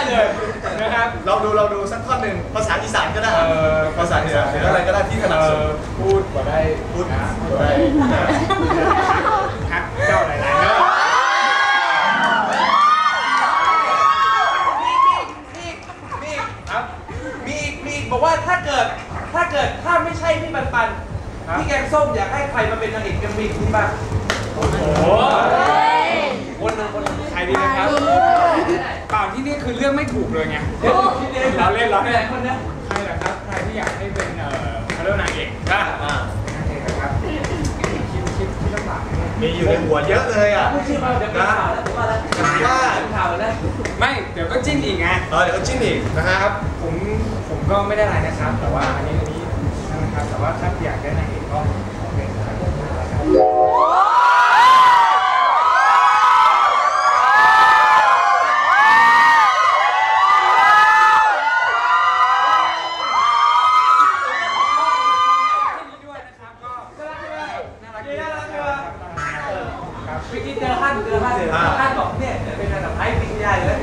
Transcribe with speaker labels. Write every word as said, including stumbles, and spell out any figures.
Speaker 1: เลยนะครับ
Speaker 2: ลองดูลองดูสักท่อนหนึ่งภาษาอีสานก็ได้ภาษาเหนือหรืออะไรก็ได้ที่ถนัดสุด
Speaker 1: พูดว่าได้
Speaker 2: พูดว่าได้
Speaker 1: ฮักเจ้าหลายๆเนาะ
Speaker 3: มีอีกมีอีกบอกว่าถ้าเกิดถ้าเกิดถ้าไม่ใช่พี่ปันปันพี่แกงส้มอยากให้ใครมาเป็นนางเอกเอ็มวีที่บ้าง
Speaker 1: โอ้โห
Speaker 3: คนนึงคนนึง
Speaker 1: ใครดีนะครับเปล่าที่นี่คือเรื่องไม่ถูกเลยไงเราเล่นเราเล่นคนนี้ใครเหรอครับใครที่อยากให้เป็นเอ่อเขาเรียกนางเอกนะนางเอกนะครับคิดคิดคิดลำบาก
Speaker 2: มีอยู่ในหัวเยอะเลยอ่ะ
Speaker 3: ไม่ใช่ว่าเดี๋ยวเป็นข่าวแล้วผมว่าแล้ว
Speaker 2: ว่า
Speaker 3: ข่าวแล้ว
Speaker 1: ไม่เดี๋ยวก็จิ้นอีกไง
Speaker 2: เออเดี๋ยวก็จิ้นอีกนะครับ
Speaker 1: ผมผมก็ไม่ได้อะไรนะครับแต่ว่าอันนี้อันนี้นะครับแต่ว่าถ้าอยากได้นางเอกก็ขอเป็นนะครับ
Speaker 3: พี่กินเจอท่านเจอท่านเจอท่านบอกเนี่ยเป็นระดับไอ้ปีใหญ่แล้ว